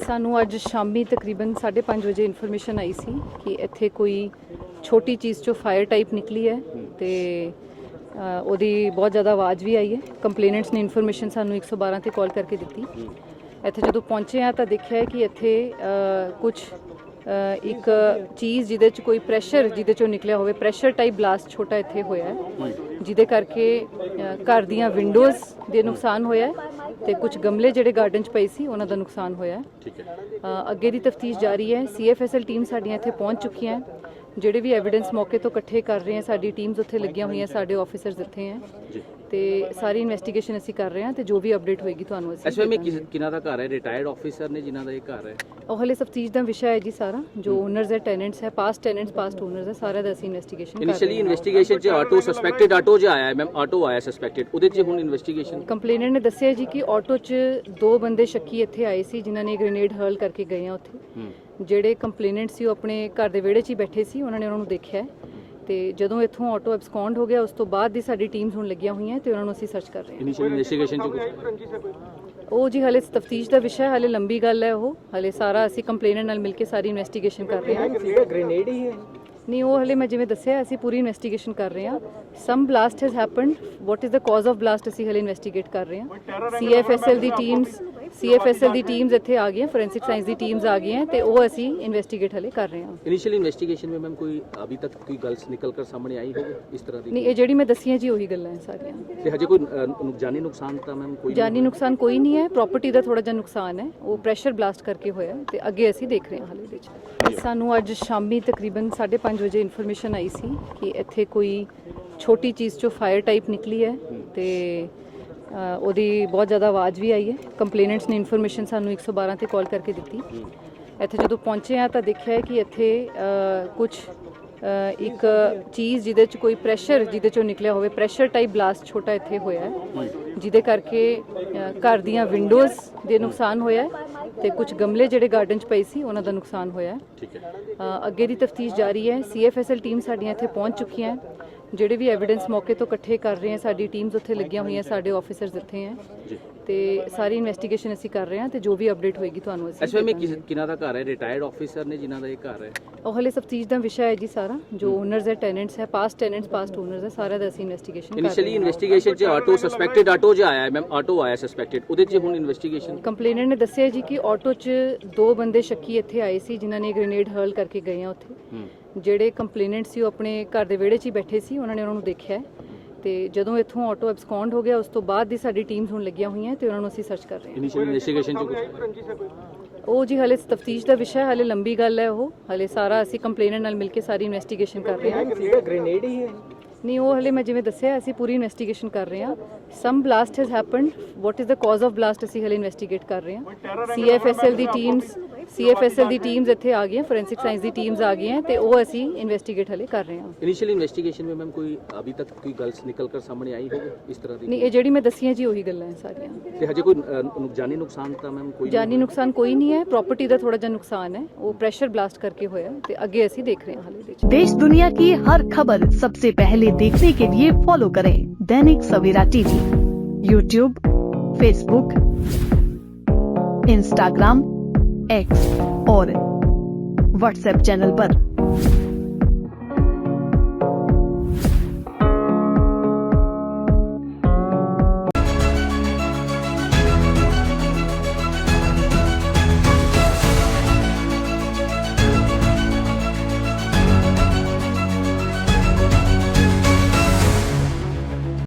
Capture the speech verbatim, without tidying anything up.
ਸਾਨੂੰ ਅੱਜ ਸ਼ਾਮੀ ਤਕਰੀਬਨ ਸਾਢੇ ਪੰਜ ਵਜੇ ਇਨਫੋਰਮੇਸ਼ਨ ਆਈ ਸੀ ਕਿ ਇੱਥੇ ਕੋਈ ਛੋਟੀ ਚੀਜ਼ ਚੋਂ ਫਾਇਰ ਟਾਈਪ ਨਿਕਲੀ ਹੈ ਤੇ ਅ, ਉਹਦੀ ਬਹੁਤ ਜ਼ਿਆਦਾ ਆਵਾਜ਼ ਵੀ ਆਈ ਹੈ। ਕੰਪਲੇਨੈਂਟਸ ਨੇ ਇਨਫੋਰਮੇਸ਼ਨ ਸਾਨੂੰ ਇੱਕ ਸੌ ਬਾਰਾਂ ਤੇ ਕਾਲ ਕਰਕੇ ਦਿੱਤੀ। ਇੱਥੇ ਜਦੋਂ ਪਹੁੰਚੇ ਆ ਤਾਂ ਦੇਖਿਆ ਕਿ ਇੱਥੇ ਕੁਝ ਇੱਕ ਚੀਜ਼ ਜਿਹਦੇ 'ਚ ਕੋਈ ਪ੍ਰੈਸ਼ਰ ਜਿਹਦੇ 'ਚੋਂ ਨਿਕਲਿਆ ਹੋਵੇ, ਪ੍ਰੈਸ਼ਰ ਟਾਈਪ ਬਲਾਸਟ ਛੋਟਾ ਇੱਥੇ ਹੋਇਆ ਹੈ, ਜਿਹਦੇ ਕਰਕੇ ਅ, ਘਰ ਦੀਆਂ ਵਿੰਡੋਜ਼ ਦੇ ਨੁਕਸਾਨ ਹੋਇਆ ਹੈ ਤੇ ਕੁਝ ਗਮਲੇ ਜਿਹੜੇ ਗਾਰਡਨ 'ਚ ਪਏ ਸੀ ਉਹਨਾਂ ਦਾ ਨੁਕਸਾਨ ਹੋਇਆ ਹੈ। ਠੀਕ ਹੈ। ਅ, ਅੱਗੇ ਦੀ ਤਫਤੀਸ਼ ਜਾਰੀ ਹੈ। C F S L team ਸਾਡੀਆਂ ਇੱਥੇ ਪਹੁੰਚ ਚੁੱਕੀਆਂ ਹੈ। ਜਿਹੜੇ ਵੀ ਐਵੀਡੈਂਸ ਮੌਕੇ ਤੋਂ ਇਕੱਠੇ ਕਰ ਰਹੇ ਹਾਂ, ਸਾਡੀ ਟੀਮਸ ਉੱਥੇ ਲੱਗੀਆਂ ਹੋਈਆਂ, ਸਾਡੇ ਆਫੀਸਰਸ ਇੱਥੇ ਹੈ ਤੇ ਸਾਰੀ ਇਨਵੈਸਟੀਗੇਸ਼ਨ ਅਸੀਂ ਕਰ ਰਹੇ ਹਾਂ ਤੇ ਜੋ ਵੀ ਅਪਡੇਟ ਹੋਏਗੀ ਤੁਹਾਨੂੰ ਅਸੀਂ ਐਸਐਮਏ ਕਿਹਨਾਂ ਦਾ ਘਰ ਹੈ? ਰਿਟਾਇਰਡ ਆਫੀਸਰ ਨੇ ਜਿਨ੍ਹਾਂ ਦਾ ਇਹ ਘਰ ਹੈ? ਉਹ ਹਲੇ ਤਫਤੀਸ਼ ਦਾ ਵਿਸ਼ਾ ਹੈ ਜੀ ਸਾਰਾ। ਜੋ ਓਨਰਸ ਹੈ, ਟੈਨੈਂਟਸ ਹੈ, ਪਾਸਟ ਟੈਨੈਂਟਸ, ਪਾਸਟ ਓਨਰਸ ਹੈ, ਸਾਰਿਆਂ ਦਾ ਅਸੀਂ ਇਨਵੈਸਟੀਗੇਸ਼ਨ ਕਰ ਰਹੇ ਹਾਂ। ਇਨੀਸ਼ੀਅਲੀ ਇਨਵੈਸਟੀਗੇਸ਼ਨ 'ਚ ਆਟੋ ਸਸਪੈਕਟਡ ਆਟੋ ਜਿਹਾ ਆਇਆ ਮੈਮ, ਆਟੋ ਆਇਆ ਸਸਪੈਕਟਡ, ਉਹਦੇ 'ਚ ਹੁਣ ਇਨਵੈਸਟੀਗੇਸ਼ਨ। ਕੰਪਲੇਨੈਂਟ ਨੇ ਦੱਸਿਆ ਜੀ ਕਿ ਆਟੋ 'ਚ ਦੋ ਬੰਦੇ ਸ਼ੱਕੀ ਇੱਥੇ ਆਏ ਸੀ ਜਿਨ੍ਹਾਂ ਨੇ ਗ੍ਰੇਨੇਡ ਹਰਲ ਕਰਕੇ ਗਏ ਆ ਉੱਥੇ। ਜਿਹੜੇ ਕੰਪਲੇਨੈਂਟ ਸੀ ਉਹ ਆਪਣੇ ਘਰ ਦੇ ਵਿਹੜੇ 'ਚ ਹੀ ਬੈਠੇ ਸੀ, ਉਹਨਾਂ ਨੇ ਉਹਨਾਂ ਨੂੰ ਦੇਖਿਆ ਤੇ ਜਦੋਂ ਇੱਥੋਂ ਆਟੋ ਐਬਸਕੌਂਡ ਹੋ ਗਿਆ ਉਸ ਤੋਂ ਬਾਅਦ ਦੀ ਸਾਡੀ ਟੀਮਸ ਹੁਣ ਲੱਗੀਆਂ ਹੋਈਆਂ ਤੇ ਉਹਨਾਂ ਨੂੰ ਅਸੀਂ ਸਰਚ ਕਰ ਰਹੇ ਹਾਂ। ਇਨੀਸ਼ੀਅਲ ਇਨਵੈਸਟੀਗੇਸ਼ਨ 'ਚ ਕੁਝ ਉਹ ਜੀ ਹਲੇ ਤਫਤੀਸ਼ ਦਾ ਵਿਸ਼ਾ ਹੈ, ਹਲੇ ਲੰਬੀ ਗੱਲ ਹੈ। ਉਹ ਹਲੇ ਸਾਰਾ ਅਸੀਂ ਕੰਪਲੇਨੈਂਟ ਨਾਲ ਮਿਲ ਕੇ ਸਾਰੀ ਇਨਵੈਸਟੀਗੇਸ਼ਨ ਕਰ ਰਹੇ ਹਾਂ। ਗ੍ਰੇਨੇਡ ਹੀ ਹੈ? ਨਹੀਂ, ਉਹ ਹਲੇ ਮੈਂ ਜਿਵੇਂ ਦੱਸਿਆ ਅਸੀਂ ਪੂਰੀ ਇਨਵੈਸਟੀਗੇਸ਼ਨ ਕਰ ਰਹੇ ਹਾਂ। Some blast has happened, what is the cause of blast ਅਸੀਂ ਹਲੇ ਇਨਵੈਸਟੀਗੇਟ ਕਰ ਰਹੇ ਹਾਂ। ਸੀ ਐਫ ਐਸ ਐਲ ਦੀ teams C F S L ਦੀ ਟੀਮਸ ਇੱਥੇ ਆ ਗਈਆਂ, ਫੋਰੈਂਸਿਕ ਸਾਇੰਸ ਦੀ ਟੀਮਸ ਆ ਗਈਆਂ ਤੇ ਉਹ ਅਸੀਂ ਇਨਵੈਸਟੀਗੇਟ ਹਲੇ ਕਰ ਰਹੇ ਹਾਂ। ਇਨੀਸ਼ੀਅਲ ਇਨਵੈਸਟੀਗੇਸ਼ਨ में मैम कोई अभी तक कोई गल्स निकल कर सामने आई होगी इस तरह ਦੀ? ਨਹੀਂ, ਇਹ ਜਿਹੜੀ ਮੈਂ ਦੱਸੀਆਂ ਜੀ ਉਹੀ ਗੱਲਾਂ ਹੈ ਸਾਰੀਆਂ। ਤੇ ਹਜੇ ਕੋਈ ਅ, ਜਾਨੀ ਨੁਕਸਾਨ ਤਾਂ ਮੈਮ ਕੋਈ ਜਾਨੀ ਨੁਕਸਾਨ ਕੋਈ ਨਹੀਂ ਹੈ, ਪ੍ਰਾਪਰਟੀ ਦਾ ਥੋੜਾ ਜਿਹਾ ਨੁਕਸਾਨ ਹੈ, ਉਹ ਪ੍ਰੈਸ਼ਰ ਬਲਾਸਟ ਕਰਕੇ ਹੋਇਆ ਤੇ ਅੱਗੇ ਅਸੀਂ ਦੇਖ ਰਹੇ ਹਾਂ ਹਾਲੇ ਵਿੱਚ। ਸਾਨੂੰ ਅੱਜ ਸ਼ਾਮੀ ਤਕਰੀਬਨ ਸਾਢੇ ਪੰਜ ਵਜੇ ਇਨਫੋਰਮੇਸ਼ਨ ਆਈ ਸੀ ਕਿ ਇੱਥੇ ਕੋਈ ਛੋਟੀ ਚੀਜ਼ ਚੋਂ ਫਾਇਰ ਟਾਈਪ ਨਿਕਲੀ ਹੈ ਤੇ ਅ, ਉਹਦੀ ਬਹੁਤ ਜ਼ਿਆਦਾ ਆਵਾਜ਼ ਵੀ ਆਈ ਹੈ। ਕੰਪਲੇਨੈਂਟਸ ਨੇ ਇਨਫੋਰਮੇਸ਼ਨ ਸਾਨੂੰ ਇੱਕ ਸੌ ਬਾਰਾਂ ਤੇ ਕਾਲ ਕਰਕੇ ਦਿੱਤੀ। ਇੱਥੇ ਜਦੋਂ ਪਹੁੰਚੇ ਆ ਤਾਂ ਦੇਖਿਆ ਕਿ ਇੱਥੇ ਕੁਝ ਇੱਕ ਚੀਜ਼ ਜਿਹਦੇ 'ਚ ਕੋਈ ਪ੍ਰੈਸ਼ਰ ਜਿਹਦੇ 'ਚੋਂ ਨਿਕਲਿਆ ਹੋਵੇ, ਪ੍ਰੈਸ਼ਰ ਟਾਈਪ ਬਲਾਸਟ ਛੋਟਾ ਇੱਥੇ ਹੋਇਆ ਹੈ, ਜਿਹਦੇ ਕਰਕੇ ਅ, ਘਰ ਦੀਆਂ ਵਿੰਡੋਜ਼ ਦੇ ਨੁਕਸਾਨ ਹੋਇਆ ਹੈ ਤੇ ਕੁਝ ਗਮਲੇ ਜਿਹੜੇ ਗਾਰਡਨ 'ਚ ਪਏ ਸੀ ਉਹਨਾਂ ਦਾ ਨੁਕਸਾਨ ਹੋਇਆ ਹੈ। ਠੀਕ ਹੈ। ਅ, ਅੱਗੇ ਦੀ ਤਫਤੀਸ਼ ਜਾਰੀ ਹੈ। C F S L team ਸਾਡੀਆਂ ਇੱਥੇ ਪਹੁੰਚ ਚੁੱਕੀਆਂ ਹੈ। ਜਿਹੜੇ ਵੀ ਐਵੀਡੈਂਸ ਮੌਕੇ ਤੋਂ ਇਕੱਠੇ ਕਰ ਰਹੇ ਹਾਂ, ਸਾਡੀ ਟੀਮਸ ਉੱਥੇ ਲੱਗੀਆਂ ਹੋਈਆਂ, ਸਾਡੇ ਆਫੀਸਰਸ ਇੱਥੇ ਹੈ ਤੇ ਸਾਰੀ ਇਨਵੈਸਟੀਗੇਸ਼ਨ ਅਸੀਂ ਕਰ ਰਹੇ ਹਾਂ ਤੇ ਜੋ ਵੀ ਅਪਡੇਟ ਹੋਏਗੀ ਤੁਹਾਨੂੰ ਅਸੀਂ ਐਸਐਮਏ ਕਿਹਨਾਂ ਦਾ ਘਰ ਹੈ? ਰਿਟਾਇਰਡ ਆਫੀਸਰ ਨੇ ਜਿਨ੍ਹਾਂ ਦਾ ਇਹ ਘਰ ਹੈ? ਉਹ ਹਲੇ ਤਫਤੀਸ਼ ਦਾ ਵਿਸ਼ਾ ਹੈ ਜੀ ਸਾਰਾ। ਜੋ ਓਨਰਸ ਹੈ, ਟੈਨੈਂਟਸ ਹੈ, ਪਾਸਟ ਟੈਨੈਂਟਸ, ਪਾਸਟ ਓਨਰਸ ਹੈ, ਸਾਰਿਆਂ ਦਾ ਅਸੀਂ ਇਨਵੈਸਟੀਗੇਸ਼ਨ ਕਰ ਰਹੇ ਹਾਂ। ਇਨੀਸ਼ੀਅਲੀ ਇਨਵੈਸਟੀਗੇਸ਼ਨ 'ਚ ਆਟੋ ਸਸਪੈਕਟਡ ਆਟੋ ਜਿਹਾ ਆਇਆ ਮੈਮ, ਆਟੋ ਆਇਆ ਸਸਪੈਕਟਡ, ਉਹਦੇ 'ਚ ਹੁਣ ਇਨਵੈਸਟੀਗੇਸ਼ਨ। ਕੰਪਲੇਨੈਂਟ ਨੇ ਦੱਸਿਆ ਜੀ ਕਿ ਆਟੋ 'ਚ ਦੋ ਬੰਦੇ ਸ਼ੱਕੀ ਇੱਥੇ ਆਏ ਸੀ ਜਿਨ੍ਹਾਂ ਨੇ ਗ੍ਰੇਨੇਡ ਹਰਲ ਕਰਕੇ ਗਏ ਆ ਉੱਥੇ। ਜਿਹੜੇ ਕੰਪਲੇਨੈਂਟ ਸੀ ਉਹ ਆਪਣੇ ਘਰ ਦੇ ਵਿਹੜੇ 'ਚ ਹੀ ਬੈਠੇ ਸੀ, ਉਹਨਾਂ ਨੇ ਉਹਨਾਂ ਨੂੰ ਦੇਖਿਆ ਤੇ ਜਦੋਂ ਇੱਥੋਂ ਆਟੋ ਐਬਸਕੌਂਡ ਹੋ ਗਿਆ ਉਸ ਤੋਂ ਬਾਅਦ ਦੀ ਸਾਡੀ ਟੀਮਸ ਹੁਣ ਲੱਗੀਆਂ ਹੋਈਆਂ ਤੇ ਉਹਨਾਂ ਨੂੰ ਅਸੀਂ ਸਰਚ ਕਰ ਰਹੇ ਹਾਂ। ਇਨੀਸ਼ੀਅਲ ਇਨਵੈਸਟੀਗੇਸ਼ਨ 'ਚ ਕੁਝ ਉਹ ਜੀ ਹਲੇ ਤਫਤੀਸ਼ ਦਾ ਵਿਸ਼ਾ ਹੈ, ਹਲੇ ਲੰਬੀ ਗੱਲ ਹੈ। ਉਹ ਹਲੇ ਸਾਰਾ ਅਸੀਂ ਕੰਪਲੇਨੈਂਟ ਨਾਲ ਮਿਲ ਕੇ ਸਾਰੀ ਇਨਵੈਸਟੀਗੇਸ਼ਨ ਕਰ ਰਹੇ ਹਾਂ। ਗ੍ਰੇਨੇਡ ਹੀ ਹੈ? ਨਹੀਂ, ਉਹ ਹਲੇ ਮੈਂ ਜਿਵੇਂ ਦੱਸਿਆ ਅਸੀਂ ਪੂਰੀ ਇਨਵੈਸਟੀਗੇਸ਼ਨ ਕਰ ਰਹੇ ਹਾਂ। Some blast has happened, what is the cause of blast ਅਸੀਂ ਹਲੇ ਇਨਵੈਸਟੀਗੇਟ ਕਰ ਰਹੇ ਹਾਂ। ਸੀ ਐਫ ਐਸ ਐਲ ਦੀ teams C F S L ਦੀ ਟੀਮਸ ਇੱਥੇ ਆ ਗਈਆਂ, ਫੋਰੈਂਸਿਕ ਸਾਇੰਸ ਦੀ ਟੀਮਸ ਆ ਗਈਆਂ ਤੇ ਉਹ ਅਸੀਂ ਇਨਵੈਸਟੀਗੇਟ ਹਲੇ ਕਰ ਰਹੇ ਹਾਂ। ਇਨੀਸ਼ੀਅਲ ਇਨਵੈਸਟੀਗੇਸ਼ਨ में मैम कोई अभी तक कोई गल्स निकल कर सामने आई होगी इस तरह ਦੀ? ਨਹੀਂ, ਇਹ ਜਿਹੜੀ ਮੈਂ ਦੱਸੀਆਂ ਜੀ ਉਹੀ ਗੱਲਾਂ ਹੈ ਸਾਰੀਆਂ। ਤੇ ਹਜੇ ਕੋਈ ਅ, ਜਾਨੀ ਨੁਕਸਾਨ ਤਾਂ ਮੈਮ ਕੋਈ ਜਾਨੀ ਨੁਕਸਾਨ ਕੋਈ ਨਹੀਂ ਹੈ, ਪ੍ਰਾਪਰਟੀ ਦਾ ਥੋੜਾ ਜਿਹਾ ਨੁਕਸਾਨ ਹੈ, ਉਹ ਪ੍ਰੈਸ਼ਰ ਬਲਾਸਟ ਕਰਕੇ ਹੋਇਆ ਤੇ ਅੱਗੇ ਅਸੀਂ ਦੇਖ ਰਹੇ ਹਾਂ ਹਾਲੇ ਵਿੱਚ। देश दुनिया की हर खबर सबसे पहले देखने के लिए फॉलो करें Dainik Savera TV, YouTube, Facebook, Instagram, X और व्हाट्सएप चैनल पर।